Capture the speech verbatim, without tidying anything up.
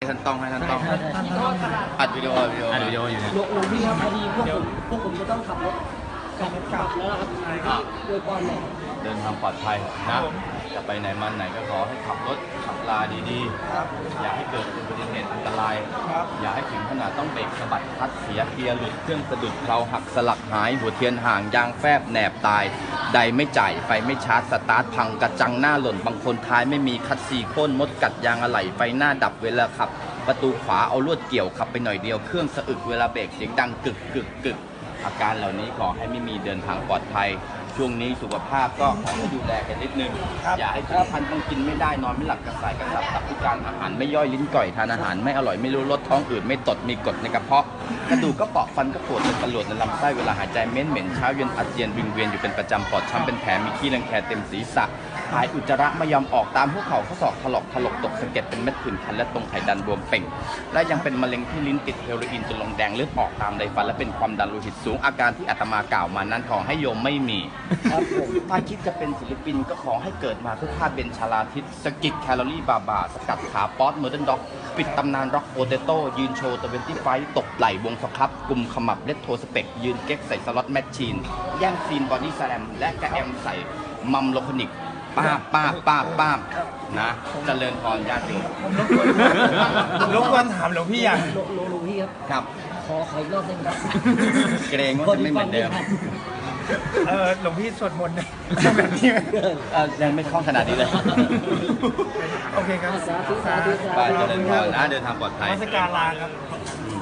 ท่านต้องให้ท่านต้องอัดวิดีโอวิดีโออัดวิดีโออยู่เนี่ยหลวงพี่ครับพอดีพวกผมพวกผมจะต้องขับรถกลับกลับแล้วครับโดยก่อนเนี่ยเดินทางปลอดภัยนะจะไปไหนมาไหนก็ขอให้ขับรถขับลาดีๆอย่าให้เกิดอุบัติเหตุอันตรายอย่าให้ถึงขนาดต้องเบรกสะบัดคลัตช์เสียเกียร์หลุดเครื่องสะดุดเพลาหักสลักหายหัวเทียนห่างยางแฟบแหนบตายใดไม่จ่ายไฟไม่ชาร์จสตาร์ทพังกระจังหน้าหล่นบางคนท้ายไม่มีคัดซีโค่นมดกัดยางอะไหล่ไฟหน้าดับเวลาขับประตูขวาเอาลวดเกี่ยวขับไปหน่อยเดียวเครื่องสะอึกเวลาเบรกเสียงดังกึกกึกกึกอาการเหล่านี้ขอให้ไม่มีเดินทางปลอดภัยช่วงนี้สุขภาพก็ขอให้ดูแลกันนิดนึงอย่าให้ทุกท่านต้องกินไม่ได้นอนไม่หลับกระสายกระสับตับพิการอาหารไม่ย่อยลิ้นก่อยทานอาหารไม่อร่อยไม่รู้รสท้องอืดไม่ตดมีกรดในกระเพาะกระดูกก็เปราะฟันก็ปวดเป็นประหลวดในลำไส้เวลาหายใจเหม็นเหม็นเช้าเย็นอาเจียนวิงเวียนอยู่เป็นประจำปอดช้ำเป็นแผลมีขี้รังแคเต็มศีรษะหายอุจจาระไม่ยอมออกตามหัวเข่าข้อศอกถลอกถลกตกสะเก็ดเป็นเม็ดผื่นคันและตรงไขดันบวมเป่งและยังเป็นมะเร็งที่ลิ้นติดเฮโรอีนจนลงแดงเลือดออกตามใดฟันและเป็นความดันโลหิตสูงอาการที่อาตมากล่าวมานั้นขอให้โยมไม่มีครับผมถ้าคิดจะเป็นศิลปินก็ขอให้เกิดมาเพื่อฆ่าเบนชาลาทิศสกิดแคลอรี่บาบาสกัดขาป๊อตเมอร์เดนด็อกปิดตำนานร็อกโปเตโต้ยืนโชว์ตะเวนตี้ไฟตกไหลวงสครับกลุ่มขมับเลตโทสเปกยืนเก๊กใส่สล็อตแมชชีนแย่งซีนบอดี้แสลมและกระแอมใส่มัมโลคอนิกป้าป้าป้าป้านะเจริญพรญาติผมรบกวนถามหลวงพี่อย่างหลวงหลวงพี่ครับครับขอขออีกรอบหนึงครับเกรงว่าจะไม่เหมือนเดิมเออหลวงพี่สวดมนต์แบบนี้ยังไม่คล่องขนาดนี้เลยโอเคครับสาธุสาธุสาธุไปเจริญพรนะเดินทางปลอดภัยมาสการลาครับ